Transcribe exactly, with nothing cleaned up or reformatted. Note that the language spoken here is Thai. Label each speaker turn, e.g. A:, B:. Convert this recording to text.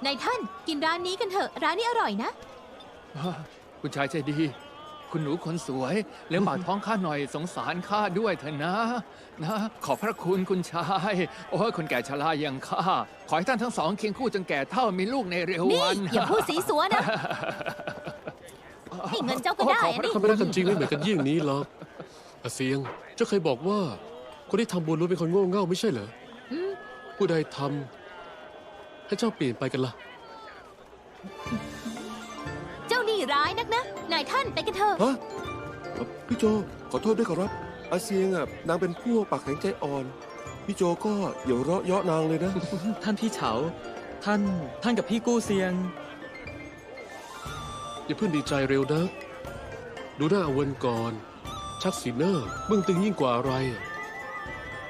A: นายท่านกินร้านนี้กันเถอะร้านนี้อร่อยนะ
B: คุณชายใจดี คุณหนูคนสวยเลี้ยงปากท้องข้าหน่อยสงสารข้าด้วยเถอะนะนะขอบพระคุณคุณชายโอ้ยคนแก่ชราอย่างข้าขอให้ท่านทั้งสองเคียงคู่จนแก่เท่ามีลูกในเร็ว
A: นี่
B: วัน
A: อย่าพูดสีสัวนะ ให้เงินเจ้าก็ได้
B: ขอบพ
A: อะ
B: ระ
A: นี่
B: คุ
C: ถ้าไม่รักกันจริงไม่เหมือนกันยิ่งนี้หรอกอาเซียงเจ้าเคยบอกว่า คนที่ทำบุญล้วนเป็นคนโง่เง่าไม่ใช่เหรอ
A: อืม
C: ผู้ใดทำให้เจ้าเปลี่ยนไปกันล่ะ
A: เจ้านี่ร้ายนักนะนายท่านไปกันเถอะ
D: ฮะเอ่อพี่โจขอโทษด้วยครับอาเซียงอ่ะนางเป็นพวกปากแข็งใจอ่อน พี่โจก็อย่าเราะเยาะนางเลยนะ
E: ท่านพี่เฉา ท่าน ท่านกับพี่กู้เซียง
C: อย่าเพิ่งดีใจเร็วนะ ดูหน้าอเวนก่อน ชักสีหน้าเบื้องตึงยิ่งกว่าอะไรอะ